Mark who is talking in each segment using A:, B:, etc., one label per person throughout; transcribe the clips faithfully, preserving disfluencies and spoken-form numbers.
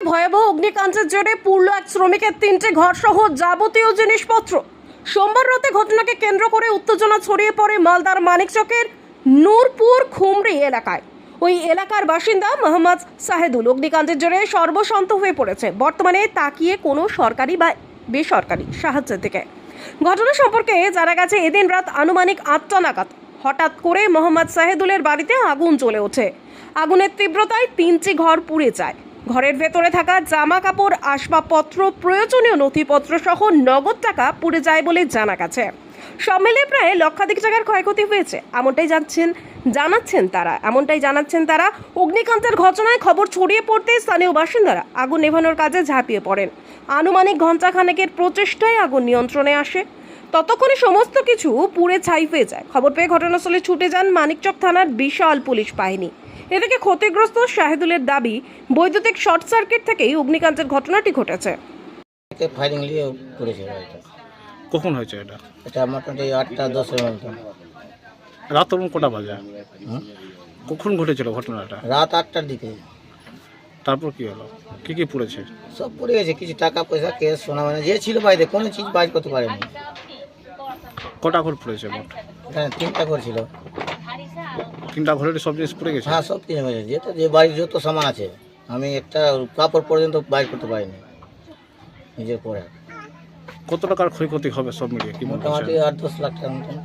A: ভয়াবহ অগ্নিকাণ্ডের জেরে পুড়ল এক শ্রমিকের তিনটি ঘর সহ যাবতীয় জিনিসপত্র। সোমবার রাতে ঘটনাকে কেন্দ্র করে উত্তেজনা ছড়িয়ে পড়ে মালদার মানিকচকের নূরপুর খুমরি এলাকায়। ওই এলাকার বাসিন্দা মোহাম্মদ সাহেদুল অগ্নিকাণ্ডের জেরে সর্বশান্ত হয়ে পড়েছে। বর্তমানে তাকিয়ে কোনো সরকারি বা বেসরকারি সাহায্যের দিকে। ঘটনা সম্পর্কে জানা গেছে, এদিন রাত আনুমানিক আটটা নাগাদ হঠাৎ করে মোহাম্মদ সাহেদুলের বাড়িতে আগুন জ্বলে ওঠে। আগুনের তীব্রতায় তিনটি ঘর পুড়ে যায়। ঘরের ভেতরে থাকা জামা কাপড়, আসবাবপত্র, প্রয়োজনীয় নথিপত্র সহ নগদ টাকা পুড়ে যায় বলে জানা গেছে। সব মিলিয়ে প্রায় লক্ষাধিক টাকার ক্ষয়ক্ষতি হয়েছে এমনটাই জানছেন জানাচ্ছেন তারা এমনটাই জানাচ্ছেন তারা অগ্নিকাণ্ডের ঘটনায় খবর ছড়িয়ে পড়তে স্থানীয় বাসিন্দারা আগুন নেভানোর কাজে ঝাঁপিয়ে পড়েন। আনুমানিক ঘণ্টা খানেকের প্রচেষ্টায় আগুন নিয়ন্ত্রণে আসে। ততক্ষণে সমস্ত কিছু পুড়ে ছাই হয়ে যায়। খবর পেয়ে ঘটনাস্থলে ছুটে যান মানিকচক থানার বিশাল পুলিশ বাহিনী। এদিকে ক্ষতিগ্রস্ত শাহিদুলের দাবি, বৈদ্যুতিক শর্ট সার্কিট থেকেই অগ্নিকাণ্ডের ঘটনাটি ঘটেছে।
B: ফায়ারিং নিয়ে পড়েছে বাড়িটা।
C: কখন হয়েছে এটা?
B: এটা মোটামুটি আটটা দশের মতো।
C: রাত তখন কটা বাজে?
B: হুম?
C: কখন ঘটেছিল ঘটনাটা?
B: রাত আটটার দিকে।
C: তারপর কি হলো? কি কি পুড়েছে?
B: সব পড়ে গেছে, কিছু টাকা পয়সা, কেস, সোনা, মানে যে ছিল বাড়িতে কোনো চিজ বাইর করতে পারেনি।
C: কটা ঘর পুড়েছে মোট?
B: এখানে তিনটা ঘর ছিল।
C: তিনটা ঘরের সব জিনিস পুড়ে গেছে?
B: হ্যাঁ, সব কিছু হয়েছে, যেহেতু যে বাড়ির যত সামান আছে আমি একটা কাপড় পর্যন্ত বাইর করতে পারিনি নিজের পরে।
C: কত টাকার ক্ষয়ক্ষতি হবে সব মিলিয়ে কি মনে
B: মোটামুটি
C: হচ্ছে?
B: আট দশ লাখ টাকার মতন।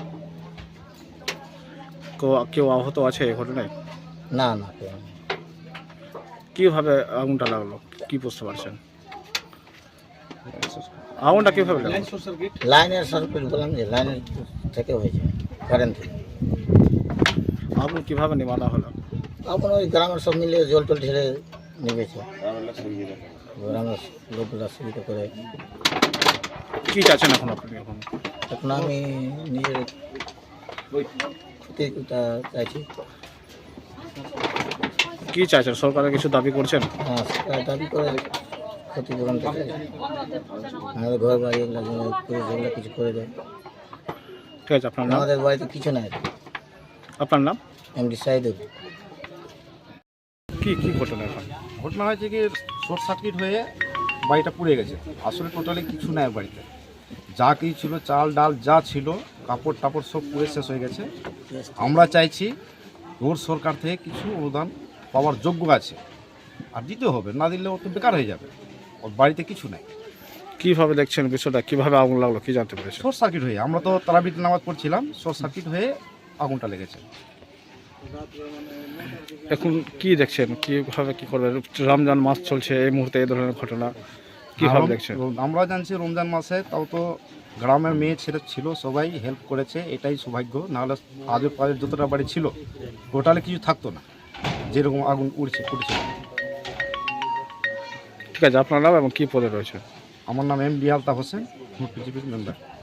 C: কেউ- কেউ আহত আছে এই ঘটনায়?
B: না না কেউ নেই।
C: কিভাবে আগুনটা লাগলো কি বুঝতে পারছেন? আগুনটা কিভাবে লাগলো?
B: লাইনের সার্কিট বললাম যে লাইনের থেকে হয়েছে, কারেন্ট থেকে।
C: আগুন কিভাবে নেভানো হলো?
B: এখন ওই গ্রামের সব মিলে জল টল ঢেলে নেমেছে, গ্রামের লোকগুলা সুবিধা করে।
C: কি চাচ্ছেন এখন আপনি? এখন
B: এখন আমি নিজের ক্ষতিটা চাইছি।
C: কি চাইছেন? সরকারের কিছু দাবি করছেন?
B: হ্যাঁ, সেটা দাবি করে ক্ষতিপূরণ চাই। আমাদের ঘর বাড়ি এগুলো যেন পুলিশ এগুলো কিছু করে দেয়।
C: ঠিক আছে, আপনার নাম?
B: আমাদের বাড়িতে কিছু নাই।
C: আপনার নাম?
B: এমডি সাইদুল।
C: কি কি ঘটনা এখন?
D: ঘটনা হয়েছে কি, শর্ট সার্কিট হয়ে বাড়িটা পুড়ে গেছে। আসলে টোটালি কিছু নাই বাড়িতে, যা কিছু ছিল চাল ডাল যা ছিল, কাপড় টাপড় সব পুড়ে শেষ হয়ে গেছে। আমরা চাইছি ওর সরকার থেকে কিছু অনুদান পাওয়ার যোগ্য আছে, আর দিতে হবে, না দিলে ও তো বেকার হয়ে যাবে। ওর বাড়িতে কিছু নাই।
C: কিভাবে দেখছেন বিষয়টা? কিভাবে আগুন লাগলো কি জানতে পেরেছেন?
D: শর্ট সার্কিট হয়ে, আমরা তো তারাবির নামাজ পড়ছিলাম, শর্ট সার্কিট হয়ে আগুনটা লেগেছে।
C: এখন কি দেখছেন? কিভাবে কি করবেন? রমজান মাস চলছে, এই মুহূর্তে এই ধরনের ঘটনা কিভাবে দেখছেন?
D: আমরা জানছি রমজান মাসে তাও তো গ্রামের মেয়ে ছেলে ছিল, সবাই হেল্প করেছে, এটাই সৌভাগ্য। নাহলে আজও পাজের যতটা বাড়ি ছিল টোটালি কিছু থাকতো না, যেরকম আগুন উড়ছে উঠছে।
C: ঠিক আছে, আপনার নাম এবং কি পদে রয়েছে?
D: আমার নাম এম ডি আলতাফ হোসেন, বিজেপির মেম্বার।